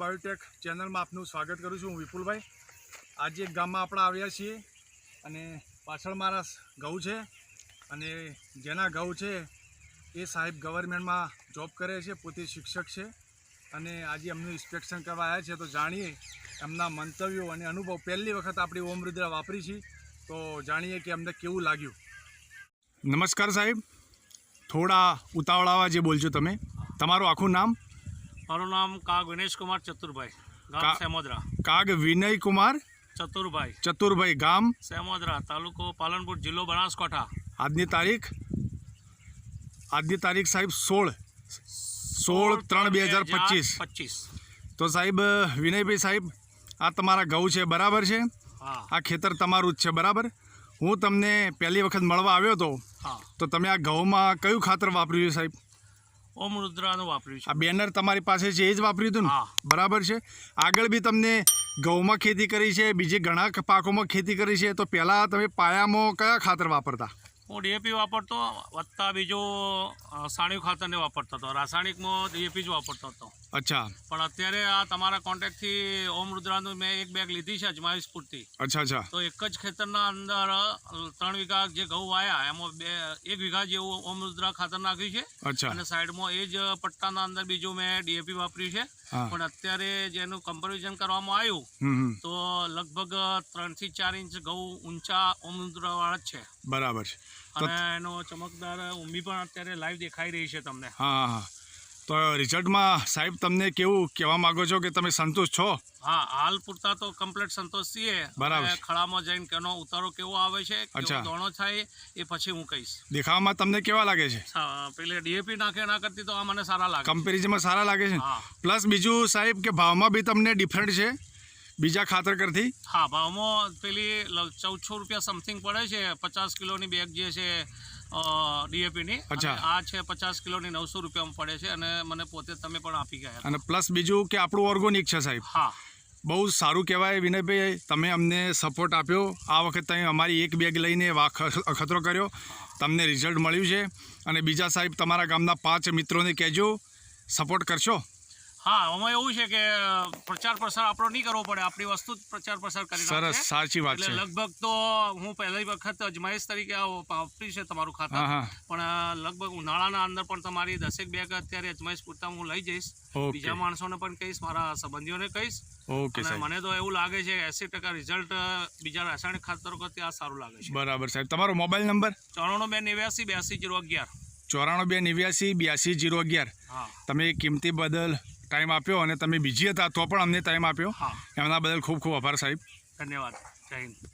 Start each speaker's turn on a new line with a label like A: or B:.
A: Biotech ચેનલમાં આપનું સ્વાગત કરું છું. હું વિપુલભાઈ. આજે એક ગામમાં આપણે આવ્યા છીએ અને પાછળ મારા ઘઉં છે અને જેના ઘઉં છે એ સાહેબ ગવર્મેન્ટમાં જોબ કરે છે, પોતે શિક્ષક છે અને આજે એમનું ઇન્સ્પેક્શન કરવા આવ્યા છે. તો જાણીએ એમના મંતવ્યો અને અનુભવ. પહેલી વખત આપણી ઓમ રુદ્રા વાપરી છે તો જાણીએ કે અમને કેવું લાગ્યું. નમસ્કાર સાહેબ, થોડા ઉતાવળાવા જે બોલજો તમે. તમારું આખું નામ?
B: મારું નામ કાગ વિનેશ કુમાર ચતુરભાઈ, ગામ સેમોદરા.
A: કાગ વિનય કુમાર ચતુરભાઈ, ગામ
B: સેમોદરા, તાલુકો પાલનપુર, જિલ્લો બનાસકાંઠા.
A: આજની તારીખ સાહેબ 16/3/2025. તો સાહેબ વિનયભાઈ સાહેબ, આ તમારા ઘઉં છે બરાબર છે? આ ખેતર તમારું જ છે બરાબર? હું તમને પહેલી વખત મળવા આવ્યો હતો તો તમે આ ઘઉંમાં કયું ખાતર વાપર્યું છે સાહેબ?
B: ઓમ રુદ્રાનું વાપર્યું છે.
A: આ બેનર તમારી પાસે છે એ જ વાપર્યું હતું ને? બરાબર છે. આગળ બી તમને ઘઉંમાં ખેતી કરી છે, બીજે ઘણા પાકોમાં ખેતી કરી છે, તો પહેલાં તમે પાયામાં કયા ખાતર વાપરતા?
B: હું ડીએપી વાપરતો, વત્તા બીજું સાણિયું ખાતરને વાપરતો હતો. રાસાયણિકમાં ડીએપી જ વાપરતો હતો.
A: અચ્છા.
B: પણ અત્યારે આ તમારા કોન્ટેક્ટથી ઓમ રુદ્રાનું મેં એક બેગ લીધી છે અજમાઈશ પૂરતી.
A: અચ્છા.
B: તો એક જ ખેતરના અંદર 3 વીઘા જે ઘઉં વાયા એમાં 1 વીઘા જેવું ઓમ રુદ્રા ખાતર નાખ્યું છે.
A: અચ્છા.
B: અને સાઈડમાં એ જ પટ્ટાના અંદર બીજું મેં ડીએપી વાપર્યું છે. પણ અત્યારે જેનું કમ્પેરિઝન કરવામાં આવ્યું તો લગભગ 3 થી 4 ઇંચ ઘઉં ઊંચા ઓમ રુદ્રા વાળા જ છે.
A: બરાબર છે.
B: અને એનો ચમકદાર ઊંબી પણ અત્યારે લાઈવ દેખાઈ રહી છે તમને.
A: હા. તો રિઝલ્ટમાં સાહેબ તમને કેવું કહેવા માંગો છો કે તમે સંતુષ્ટ છો?
B: હા, હાલ પૂરતા તો કમ્પ્લીટ સંતોષ છીએ.
A: બરાબર.
B: ખળામાં જઈને કેનો ઉતારો કેવો આવે છે, કેવો દોણો થાય એ પછી હું કહીશ.
A: દેખાવામાં તમને કેવા લાગે છે?
B: પેલે ડીએપી નાખે ના કરતી તો આ મને સારા લાગે.
A: કમ્પેરિઝનમાં સારા લાગે છે. પ્લસ બીજું સાહેબ કે ભાવમાં બી તમને ડિફરન્ટ છે બીજા ખાતર કરતી?
B: હા, ભાવમાં પેલી 1400 રૂપિયા સમથિંગ પડે છે 50 કિલોની બેગ જે છે ડીએપીની. આ છે 50 કિલોની 900 રૂપિયામાં પડે છે અને મને પોતે તમે પણ આપી ગયા.
A: અને પ્લસ બીજું કે આપણું ઓર્ગોનિક છે સાહેબ.
B: હા,
A: બહુ સારું કહેવાય વિનયભાઈ, તમે અમને સપોર્ટ આપ્યો. આ વખત તમે અમારી એક બેગ લઈને અખતરો કર્યો, તમને રિઝલ્ટ મળ્યું છે. અને બીજા સાહેબ તમારા ગામના 5 મિત્રોને કહેજો, સપોર્ટ કરશો.
B: હા, આમાં એવું છે કે પ્રચાર પ્રસાર આપણો નહીં કરવો પડે, આપણી વસ્તુ જ પ્રચાર પ્રસાર કરી.
A: સરસ, સાચી વાત છે.
B: લગભગ તો હું પહેલી વખત અજમાઈશ તરીકે વાપરી છે તમારું ખાતર. પણ લગભગ ઉનાળાના અંદર પણ તમારી 10 બેગ અત્યારે અજમાઈશ પૂરતા હું લઈ જઈશ. બીજા માણસોને પણ કહીશ, મારા સંબંધીઓને કહીશ. અને મને તો એવું લાગે છે 80% રિઝલ્ટ બીજા રાસાયણિક ખાતરો કરતા આ સારું લાગે છે.
A: બરાબર સાહેબ. તમારો મોબાઈલ નંબર?
B: 9429828011.
A: 9429828011. તમે કિંમતી બદલ ટાઈમ આપ્યો અને તમે બીજી હતા તો પણ અમને ટાઈમ આપ્યો, એમના બદલ ખૂબ ખૂબ આભાર સાહેબ.
B: ધન્યવાદ. જય હિન્દ.